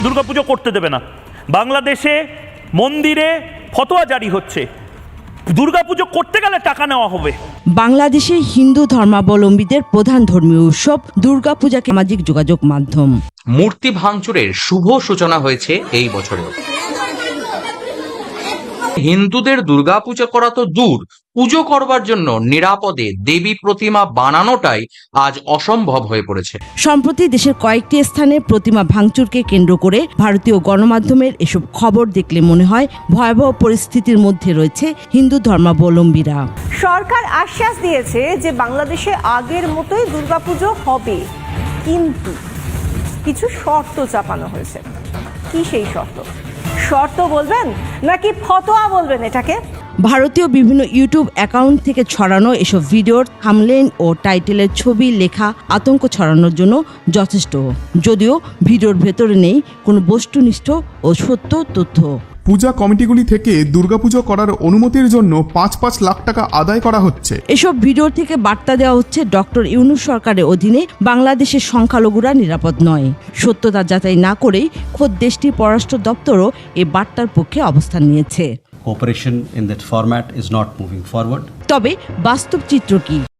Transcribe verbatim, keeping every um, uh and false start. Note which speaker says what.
Speaker 1: দুর্গাপুজো করতে দেবে না। বাংলাদেশে মন্দিরে ফতোয়া জারি হচ্ছে, দুর্গাপুজো করতে গেলে টাকা নেওয়া হবে।
Speaker 2: বাংলাদেশে হিন্দু ধর্মাবলম্বীদের প্রধান ধর্মীয় উৎসব দুর্গাপূজাকে সামাজিক যোগাযোগ মাধ্যম।
Speaker 3: মূর্তি ভাঙচুরের শুভ সূচনা হয়েছে এই বছরেও। হিন্দুদের দুর্গাপূজা করা তো দূর, পুজো করবার জন্য নিরাপদে দেবী প্রতিমা বানানোটাই আজ অসম্ভব হয়ে পড়েছে।
Speaker 2: সম্প্রতি দেশের কয়েকটি স্থানে প্রতিমা ভাঙচুরকে কেন্দ্র করে ভারতীয় গণমাধ্যমের এসব খবর দেখলে মনে হয় ভয়াবহ পরিস্থিতির মধ্যে রয়েছে হিন্দু ধর্মাবলম্বীরা।
Speaker 4: সরকার আশ্বাস দিয়েছে যে বাংলাদেশে আগের মতোই দুর্গাপুজো হবে, কিন্তু কিছু শর্ত চাপানো হয়েছে। কি সেই শর্ত? শর্ত বলবেন নাকি ফতোয়া বলবেন এটাকে?
Speaker 2: ভারতীয় বিভিন্ন ইউটিউব অ্যাকাউন্ট থেকে ছড়ানো এসব ভিডিওর থাম্বনেইল ও টাইটেলের ছবি লেখা আতঙ্ক ছড়ানোর জন্য যথেষ্ট, যদিও ভিডিওর ভেতরে নেই কোনো বস্তুনিষ্ঠ ও সত্য তথ্য।
Speaker 5: পূজা কমিটিগুলি থেকে দুর্গাপুজো করার অনুমতির জন্য পাঁচ পাঁচ লাখ টাকা আদায় করা হচ্ছে।
Speaker 2: এসব ভিডিও থেকে বার্তা দেওয়া হচ্ছে ডক্টর ইউনূস সরকারের অধীনে বাংলাদেশের সংখ্যালঘুরা নিরাপদ নয়। সত্যতা যাচাই না করেই খোদ দেশটির পররাষ্ট্র দপ্তরও এই বার্তার পক্ষে অবস্থান নিয়েছে।
Speaker 6: Cooperation in that format is not moving forward.
Speaker 2: তবে বাস্তব চিত্র কি?